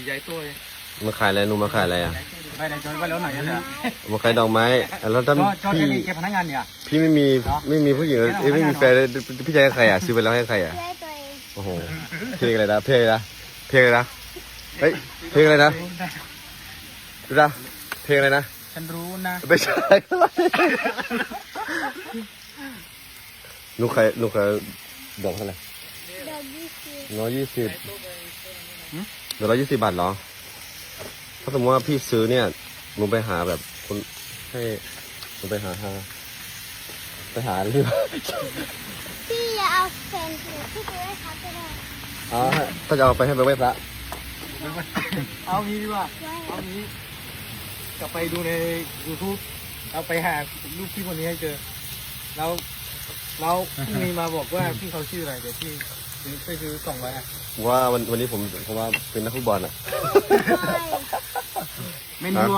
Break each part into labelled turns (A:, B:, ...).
A: ใหญ่ตัว
B: มาขายอะไรหนูมาขายอะไรอ่ะ
C: ไปไหนจอยไปแล้วไหนเนี่ย
B: มาขายดอกไม้แล้วถ้าพี่
C: พนักงานเนี่ย
B: พี่ไม่มีผู้หญิงไม่มีแฟนพี่จะให้ใครอ่ะซื้อไปแล้วให้ใครอ่ะโอ้โหเพลงอะไรนะเพลงอะไรนะเพลงอะไรนะเฮ้ยเพลงอะไรนะดูนะเพลงอะไรนะ
C: ฉันรู้นะ
B: ไม่ใช่หนูขายดอกเท่าไหร่120เดี๋ยว120 บาทเหรอถ้าสมมติว่าพี่ซื้อเนี่ยหนูไปหาแบบคนให้หนูไปหาหรือ
D: พี่อย่าเอาแฟนพี่ไปไว้ครับก็ได้
B: ถ้าจะเอาไปให้ไปไหว้พระ
C: เอางี้ดีกว่าเอางี้กลับไปดูใน YouTube เอาไปหารูปพี่คนนี้ให้เจอแล้วพรุ่งนี้มาบอกว่าพี่เขาชื่ออะไรเดี๋ยวพี่ไปซื้อ200อ่ะ
B: ว่าวันนี้ผมว่าเป็นนักฟุตบอลอ่ะ
C: ไม่ยู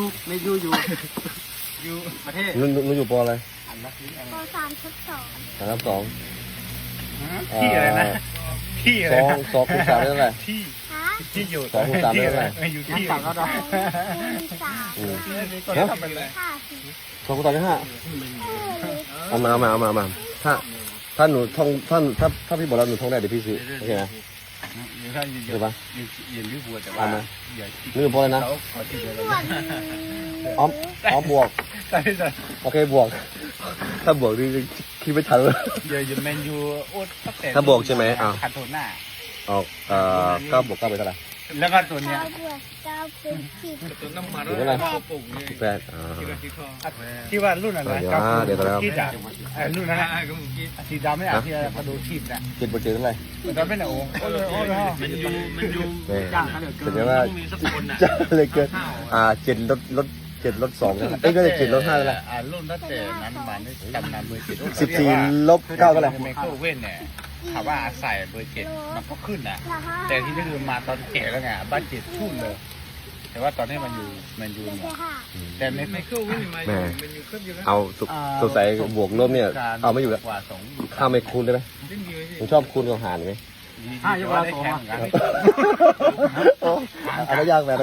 C: อยู่ประเทศ
B: นุ่นอยู่ปออะไร
D: ป.3/2
A: ที่อะไรนะที่อะไร
B: 2 คูณ 3ได้เท่าไหร่
A: ที่อยู่
B: 2 คูณ 3ได้เท่าไหร่
C: อยู่ที่3ก็ได้
B: 2 คูณ 3ได้5เอามาถ้าหนูท่องถ้าพี่บอกแล้วหนูท่องได้เดี๋ยวพี่ซื้อโอเคนะใช่ปะนี่พอเลยนะอ้อมบวกโอเคบวกถ้าบวกนี่คิดไม่ทันเลย
A: แมนยู
B: ถ้าบวกใช่ไหม
A: คันโทน่า
B: ออก9 บวก 9ไปเท่าไหร่
A: แล้วก็ตัวเนี้ย
D: 9เป็น10
A: ตัวน้ำมัน
B: เท่าไหร่8
A: ที่ว่ารุ่นอะไร
B: เดี๋ยวแล้ว
A: รุ่นนั้นสีดำไม่อ่ะที่กระดูกทีบเนี่ย
B: 7 บวก 7เท่าไหร่
A: ตอนเป็นโอ้มันยู
B: แต่ว่าจะเลยเกิน7 ลด 2กันก็จะ7 ลด 5แล้ว
A: รุ่นตั้งแต่นั้นมานี่จำนำเบอร์
B: 14 ลบ 9เท่าไหร่
A: ไมเคิลเว่นเนี่ยถามว่าใส่เบอร์7มันก็ขึ้นนะแต่ที่นี่คือมาตอนแก่แล้วไงบ้าน7ทุ่นเลยแต่ว่าตอนนี้มันอยู่แต่ไมเคิลเว่นมาอยู่ขึ้นอยู่แล้ว
B: เอาสงสัยบวกลบเนี่ยเอาไม่อยู่แล้วข้ามไม่คูณได้ไหมผมชอบคูณกับหารไหม
C: ยกเรา2
B: อะไรยากไหม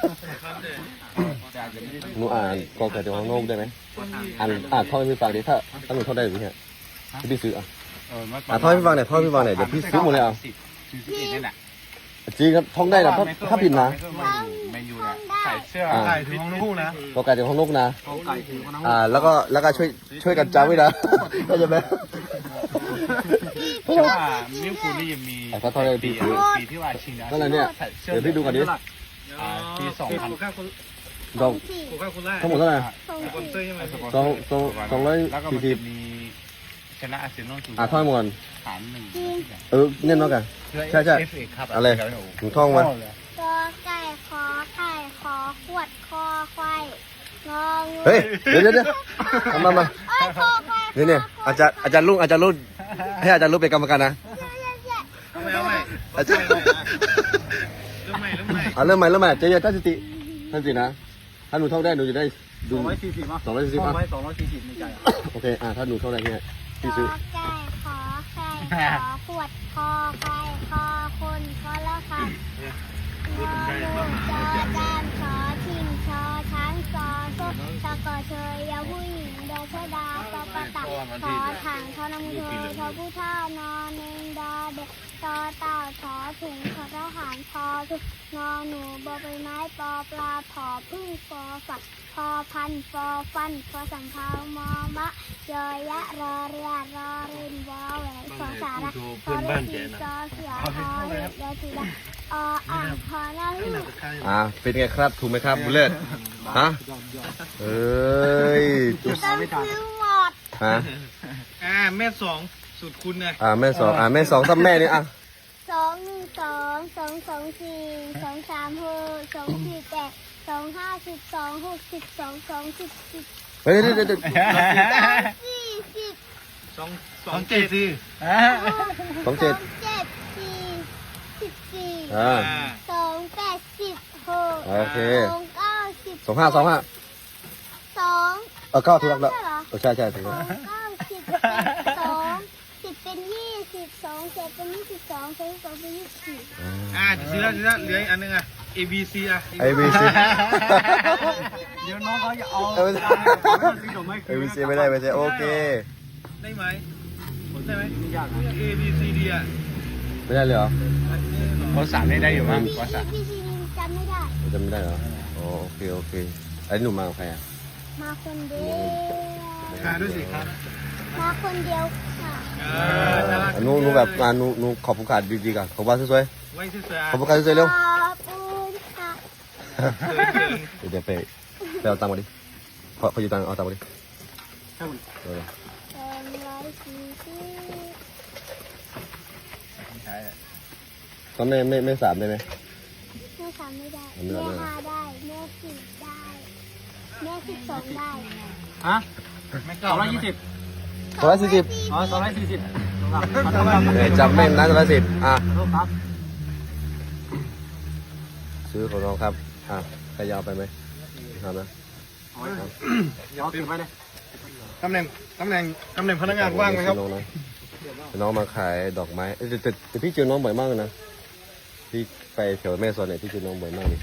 B: หนูอ่านกอไก่จากข้างนอกได้ไหมท่องให้พี่ฟังดิถ้าหนูท่องได้หรือเนี่ยพี่ซื้อท่องให้พี่ฟังหน่อยเดี๋ยวพี่ซื้อหมดเลยจริงครับท่องได้นะถ้าผิดนะ
A: ใส่เสื้อ
C: ใส่ถึงห้องลูกนะ
B: กอไก่จากข้างนอกนะแล้วก็ช่วยกันจำไว้นะเข้าใจไหม
A: เพราะว่ามิวคูนี่ยังมีปีที่ว่าชิงนะ
B: นั่นแหละเนี่ยเดี๋ยวพี่ดูก่อนดิ
A: ปี2000
B: ดอกทั้งหมดเท่าไหร่240
A: แล้วก็มีชนะอาร์เซนอล
B: ท่องหมด
A: 3-1
B: เน่นมากกันใช่อะไรถึงท่องมาก
D: อไก่ขอไข่ขอขวดคอควายงองู
B: เฮ้ยเดี๋ยวมาเนี่ยอาจารย์รุ่นให้อาจารย์รุ่นเป็นกรรมการนะอาจารย์เริ่มใหม่เจ๊ตั้งสตินะถ้าหนูท่องได้หนูจะได้ดู
C: 240มั้ง240ในใจ
B: โอเคถ้าหนูท่องได้เนี่ยพี่ซื้อ
D: ไก่ขอไข่ขอขวดคอควายคอคนคอละค่ะงองูจอจานขอทิมชอช้างซอโซ่ตะกอเชยยาผู้หญิงเดชดาปปะตักขอถังขอนำเธอชอผู้ท่านอนเนงดอเด็กตอเต่าถอถุงขอทหารพอทุกงอหนูบอใบไม้ปอปลาผอพึ่งฟอฝักพอพันฟอฟันฟอสัมภามอมะยอยะรอเรียรอเรินวอแหวนฟอสาระฟอเลสีจอเสือพอเล็ดยอจีระพอหน้าหู
B: เป็นไงครับถูกไหมครับบุญเลิศฮะเอ้ย
D: จุดไม่ทันหมด
A: แม่2สุดคุณนะ
B: แม่2ถ้าแม่นี่
D: 212 214 235 12 62 10
B: เฮ้ยโอเค25 9ถูกแล้วใช่ถูกแล้ว
D: 10เป็น20 2 7เป็น22 2 เป็น24
A: ซื้อแล้วเหลืออันนึง
C: ABC อ่ะ
B: ABC
C: เดี๋ยวน้องเขาจะเอา
B: เออ
C: ซื้อดอกไม้คืน
B: ABC ไม่ได้ไม่ใช่โอเค
C: ได้ไหมผมได้ไหมไม่ยากนะ ABCD อ่ะ
B: ไม่ได้เลยเหรอ
A: ภาษาไม่ได้อยู่มั้งภาษา
D: พี่ชีจำไม่ได้
B: จำไม่ได้เหรออ๋อโอเคโอเคอันนี้หนูมากับใครอ่ะ
D: มาคนเดียว
C: หาด้วยสิครับ
D: มาคนเดียวค่ะ
B: อ่ะหนูแบบหนูขอบคุณขาดดีๆกันขอบคุณสวย
C: ไว้สวย
B: ๆขอบคุณขาดสวยๆเร็ว
D: ขอบคุณค่ะ
B: เดี๋ยวไปเอาตังค์มาดิพออยู่ตังค์เอาตังค์มาดิเออ
D: 240
A: ใช่
B: ตอนไม่สามได้ไหม
D: แม่ทำไม่ได้
B: ทำไม่
D: แม่
B: ได้
D: 5ได้แม่10ได้แม่12ได้
C: ฮะ220
B: 240
C: อ๋อ240ครับ
B: จำแม่นนะ210อ่ะ
C: ครับ
B: ซื้อของน้องครับอ่ะใครยาวไปไหมทำนะ
C: เดี๋ยวเก็บไว้เลย
E: ตำแหน่งพนักงานว่างไหมครับ
B: น้องนะน้องมาขายดอกไม้แต่พี่เจอน้องบ่อยมากเลยนะพี่ไปแถวแม่สอดเนี่ยพี่เจอน้องบ่อยมากเลย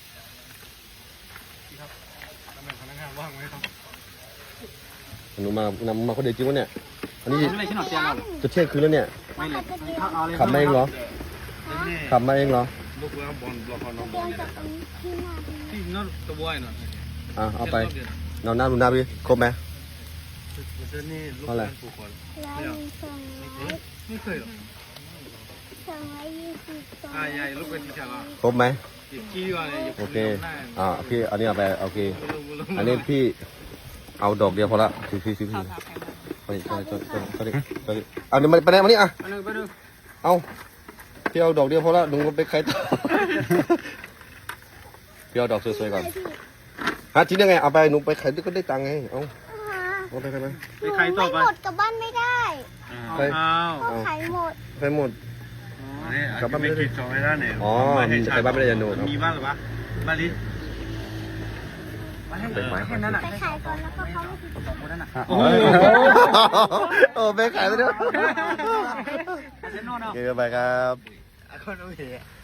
E: ตำแหน่งพนักงานว่างไหมครับ
B: หนูมาคนเดียวจริงวะเนี่ยอันนี้
C: ไม่เลยชิ้นหน่อยเตียงเรา
B: จะเที่ยงคืนแล้วเนี่ย
C: ไม่เลยเอาเลย
B: ขับมาเองเหรอขับมาเองเหรอ
E: ลูกแล้วบอลบอลน้องบ
D: เดิ
E: อล
D: น
E: เนี่ย
D: จากตรงนี้ที่หน้าตรงนี้
C: ที่นั่นตัวบอยหน่อย
B: อ่ะเอาไปนอนหน้าดูหน้าพี่ครบไหม
E: เส้นนี่ลูก
B: เท่าไหร่
E: งานผูกคอ
D: 100
C: ไม่เคยหรอก
D: 220
C: ใหญ่ลูกเป็นที่ชาลา
B: ครบไหม
C: ขี้ว่าเนี่ย
B: โอเคพี่อันนี้เอาไปโอเคอันนี้พี่เอาดอกเดียวพอละซื้อไปเอาเดี๋ยวไปไหนมานี่อ่ะ
C: ไปดู
B: เอาพี่เอาดอกเดียวพอละหนูไปใครต่อพี่เอาดอกสวยๆก่อนฮะทิ้งได้ไงเอาไปหนูไปขายก็ได้ตังค์ไงเอาไป
C: ไปใครต่อไป
D: หมดกลับบ้านไม่ได้
B: ไป
C: อ้าว
D: ก็ขายหมด
B: ไปหมด
E: นี่กลับบ้านไม่กินจองไม่ได้เนี่ย
B: อ๋อไปบ้านไม่ได้ยันโนครับ
C: มีบ้านหรือปะบ้านนี้แค่นั้นอ่ะ
D: ไปขายก่อนแล้วก็เขาไม่ติดต่อ
C: คนนั้นอ่ะ
B: โอ้โหไปขายไปด้วย
C: เซนโน่เนาะ
B: โอเคไปครับ
C: คนโอเค